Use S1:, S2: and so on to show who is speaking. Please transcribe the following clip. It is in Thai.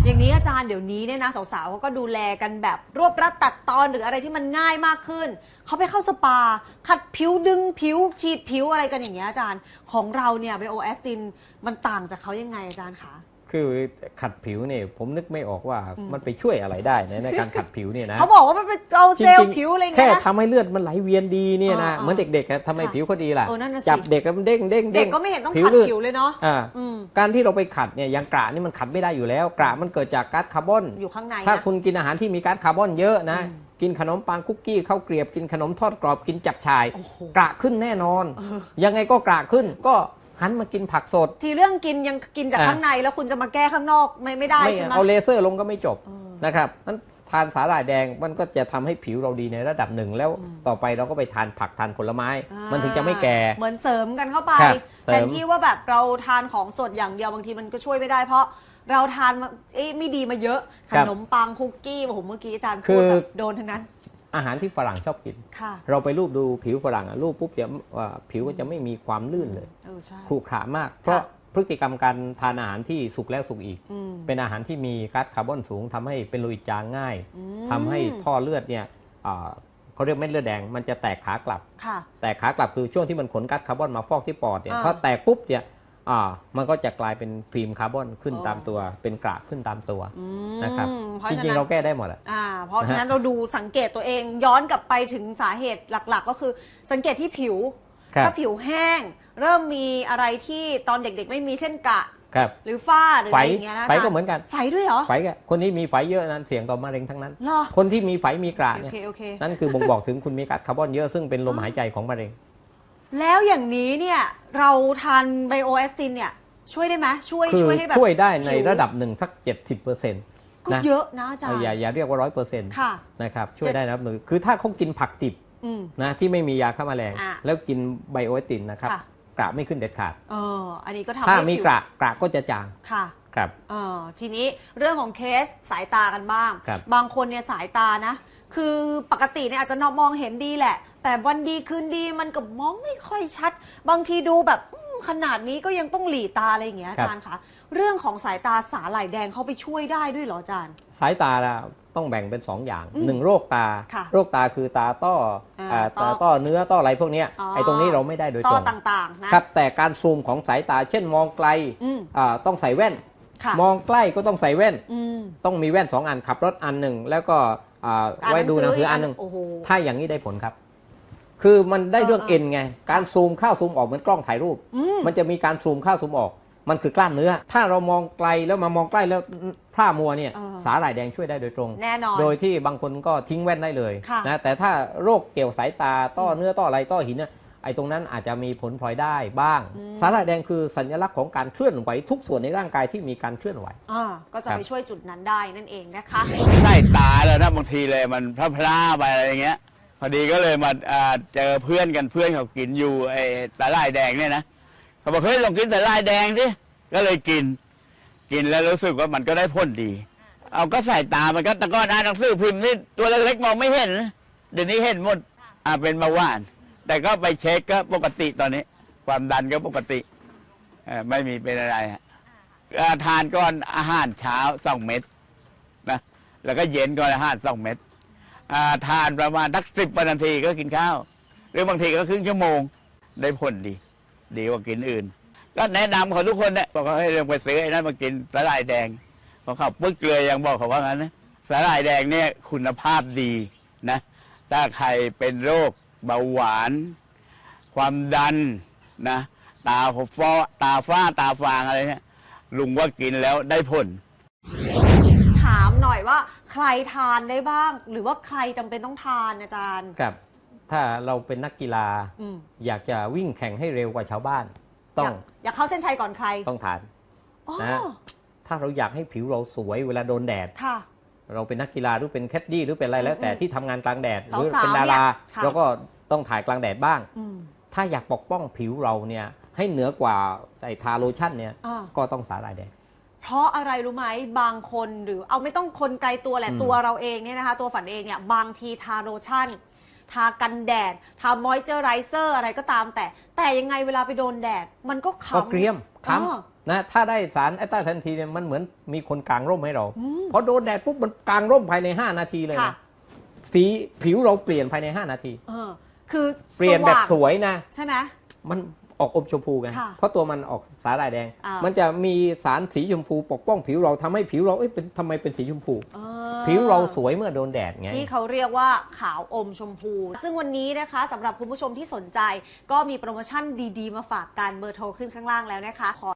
S1: อย่างนี้อาจารย์เดี๋ยวนี้เนี่ยนะสาวๆเขาก็ดูแลกันแบบรวบรัดตัดตอนหรืออะไรที่มันง่ายมากขึ้นเขาไปเข้าสปาขัดผิวดึงผิวฉีดผิวอะไรกันอย่างเงี้ยอาจารย์ของเราเนี่ยไบโอแอสตินมันต่างจากเขายังไงอาจารย์คะ
S2: คือขัดผิวเนี่ยผมนึกไม่ออกว่ามันไปช่วยอะไรได้ในการขัดผิวเนี่ยนะ
S1: เขาบอกว่ามันเป็นเอาเซลล์ผิวอะไรเงี้ย
S2: แค่ทำให้เลือดมันไหลเวียนดีเนี่ยนะเหมือนเด็กๆทำให้ผิวเขาดีล่ะจับเด็กแล้วมันเด้งเด็ก
S1: ก็ไม่เห็นต้องขัดผิวเลยเนาะ
S2: การที่เราไปขัดเนี่ยอย่างกระนี่มันขัดไม่ได้อยู่แล้วกระมันเกิดจากก๊าซคาร์บอน
S1: อยู่ข้างใน
S2: ถ้าคุณกินอาหารที่มีก๊าซคาร์บอนเยอะนะกินขนมปังคุกกี้ข้าวเกรียบกินขนมทอดกรอบกินจับฉ่ายกระขึ้นแน่นอนยังไงก็กระขึ้นก็หันมากินผักสด
S1: ทีเรื่องกินยังกินจากข้างในแล้วคุณจะมาแก้ข้างนอกไม่ได้ใช่ไหม
S2: เอาเลเซอร์ลงก็ไม่จบนะครับนั้นทานสาหร่ายแดงมันก็จะทำให้ผิวเราดีในระดับหนึ่งแล้วต่อไปเราก็ไปทานผักทานผลไม้มันถึงจะไม่แก่
S1: เหมือนเสริมกันเข้าไปแทนที่ว่าแบบเราทานของสดอย่างเดียวบางทีมันก็ช่วยไม่ได้เพราะเราทานไม่ดีมาเยอะขนมปังคุกกี้ผมเมื่อกี้อาจารย์พูดแบบโดนทั้งนั้น
S2: อาหารที่ฝรั่งชอบกินเราไปรูปดูผิวฝรั่งรูปปุ๊บเนี่ยผิวก็จะไม่มีความลื่นเลยขรุขระมากเพราะพฤติกรรมการทานอาหารที่สุกแล้วสุกอีกเป็นอาหารที่มีก๊าซคาร์บอนสูงทำให้เป็นโลหิตจางง่ายทำให้ท่อเลือดเนี่ยเขาเรียกเม็ดเลือดแดงมันจะแตกขากลับแตกขากลับคือช่วงที่มันขนก๊าซคาร์บอนมาฟอกที่ปอดเนี่ยพอแตกปุ๊บเนี่ยมันก็จะกลายเป็นฟิล์มคาร์บอนขึ้นตามตัวเป็นกระขึ้นตามตัวนะครับจริงๆเราแก้ได้หมดอ่ะ
S1: เพราะฉะนั้นเราดูสังเกตตัวเองย้อนกลับไปถึงสาเหตุหลักๆก็คือสังเกตที่ผิวถ้าผิวแห้งเริ่มมีอะไรที่ตอนเด็กๆไม่มีเช่นกระหรือฝ้าหรืออะไรอย่างเงี้ยนะ
S2: ไฝก็เหมือนกัน
S1: ไฝด้วยเหรอ
S2: ไฝคนที่มีไฝเยอะนั้นเสี่ยงต่อมะเร็งทั้งนั้นคนที่มีไฝมีกระเนี่ยนั่นคือบ่งบอกถึงคุณมีก๊าซคาร์บอนเยอะซึ่งเป็นลมหายใจของมะเร็ง
S1: แล้วอย่างนี้เนี่ยเราทานไบโอแอสตินเนี่ยช่วยได้ไหมช่วยให้แบบ
S2: ช่วยได้ในระดับหนึ่งสัก 70%
S1: ก็เยอะนะอาจารย์
S2: อย่าเรียกว่า 100%นะครับช่วยได้นะคือถ้าเขากินผักดิบนะที่ไม่มียาฆ่าแมลงแล้วกินไบโอแอสตินนะครับกระไม่ขึ้นเด็ดขาด
S1: อันนี้ก็ทำให้
S2: ถ้ามีกระก็จะจางครับ
S1: ทีนี้เรื่องของเคสสายตากันบ้างบางคนเนี่ยสายตานะคือปกติเนี่ยอาจจะมองเห็นดีแหละแต่วันดีคืนดีมันก็มองไม่ค่อยชัดบางทีดูแบบขนาดนี้ก็ยังต้องหลีตาอะไรอย่างเงี้ยอาจารย์คะเรื่องของสายตาสาหร่ายแดงเขาไปช่วยได้ด้วยเหรออาจารย์
S2: สายตาต้องแบ่งเป็น2อย่าง1โรคตาโรคตาคือตาต้อเนื้อต้ออะไรพวกนี้ไอ้ตรงนี้เราไม่ได้โดยตรง
S1: ต่างๆนะครับ
S2: แต่การซูมของสายตาเช่นมองไกลต้องใส่แว่นมองใกล้ก็ต้องใส่แว่นต้องมีแว่น2 อันขับรถอันหนึ่งแล้วก็ไว้ดูหนังสืออันหนึ่งถ้าอย่างนี้ได้ผลครับคือมันได้เรื่องเอ็นไงการซูมเข้าซูมออกเหมือนกล้องถ่ายรูปมันจะมีการซูมเข้าซูมออกมันคือกล้ามเนื้อถ้าเรามองไกลแล้วมามองใกล้แล้วพร่ามัวเนี่ยสาหร่ายแดงช่วยได้โดยตรง
S1: แน่นอน
S2: โดยที่บางคนก็ทิ้งแว่นได้เลยนะแต่ถ้าโรคเกี่ยวสายตาต้อเนื้อต้ออะไรต้อหินเนี่ยไอ้ตรงนั้นอาจจะมีผลพลอยได้บ้างสาหร่ายแดงคือสัญลักษณ์ของการเคลื่อนไหวทุกส่วนในร่างกายที่มีการเคลื่อนไหว
S1: ก็จะไปช่วยจุดนั้นได้นั่นเองนะคะ
S3: ใต้ตาแล้วนะบางทีเลยมันพลาไปอะไรอย่างเงี้ยพอดีก็เลยมาเจอเพื่อนกันเพื่อนเขากินอยู่ไอ้สาหร่ายแดงเนี่ยนะเขาบอกเฮ้ยลองกินสาหร่ายแดงดิก็เลยกินแล้วรู้สึกว่ามันก็ได้ผลดีเอาก็ใส่ตามันก็ตะก้อนอ่านหนังสือพิมพ์นี่ตัวเล็กๆมองไม่เห็นเดี๋ยวนี้เห็นหมดเป็นเบาหวานแต่ก็ไปเช็คก็ปกติตอนนี้ความดันก็ปกติไม่มีเป็นอะไรทานก่อนอาหารเช้า2 เม็ดนะแล้วก็เย็นก่อนอาหาร2 เม็ดทานประมาณสัก10 นาทีก็กินข้าวหรือบางทีก็ครึ่งชั่วโมงได้ผลดีกว่ากินอื่นก็แนะนำเขาทุกคนเนี่ยบอกว่าให้เรื่องไปซื้อไอ้นั่นมากินสาหร่ายแดงพอเขาปึ๊กเลยยังบอกเขาว่างั้นนะสาหร่ายแดงเนี่ยคุณภาพดีนะถ้าใครเป็นโรคเบาหวานความดันนะตาฝ้าตาฟางอะไรเนี่ยลุงว่ากินแล้วได้ผล
S1: ถามหน่อยว่าใครทานได้บ้างหรือว่าใครจำเป็นต้องทานอาจารย์
S2: ครับถ้าเราเป็นนักกีฬาอยากจะวิ่งแข่งให้เร็วกว่าชาวบ้าน
S1: อยากเข้าเส้นชัยก่อนใคร
S2: ต้องทานนะถ้าเราอยากให้ผิวเราสวยเวลาโดนแดดเราเป็นนักกีฬาหรือเป็นแคดดี้หรือเป็นอะไรแล้วแต่ที่ทำงานกลางแดดหรือเป็นดาราเราก็ต้องถ่ายกลางแดดบ้างถ้าอยากปกป้องผิวเราเนี่ยให้เหนือกว่าไอ้ทาโลชั่นเนี่ยก็ต้องสาหร่ายแดง
S1: เพราะอะไรรู้ไหมบางคนหรือเอาไม่ต้องคนไกลตัวแหละตัวเราเองเนี่ยนะคะตัวฝันเองเนี่ยบางทีทาโลชั่นทากันแดดทามอยเจอไรเซอร์อะไรก็ตามแต่ยังไงเวลาไปโดนแดดมันก็
S2: เกรียมค้นะถ้าได้สารแอสตาแซนทีนเนี่ยมันเหมือนมีคนกางร่มให้เราพอโดนแดดปุ๊บมันกางร่มภายใน5 นาทีเลยนะสีผิวเราเปลี่ยนภายใน5 นาที
S1: คือ
S2: เปลี่ยนแบบสวยนะ
S1: ใช่ไหม
S2: มันออกอมชมพูไงเพราะตัวมันออกสาหร่ายแดงมันจะมีสารสีชมพูปกป้องผิวเราทำให้ผิวเราทำไมเป็นสีชมพูผิวเราสวยเมื่อโดนแดดไง
S1: ที่เขาเรียกว่าขาวอมชมพู ซึ่งวันนี้นะคะสำหรับคุณผู้ชมที่สนใจก็มีโปรโมชั่นดีๆมาฝากกันเบอร์โทรขึ้นข้างล่างแล้วนะคะ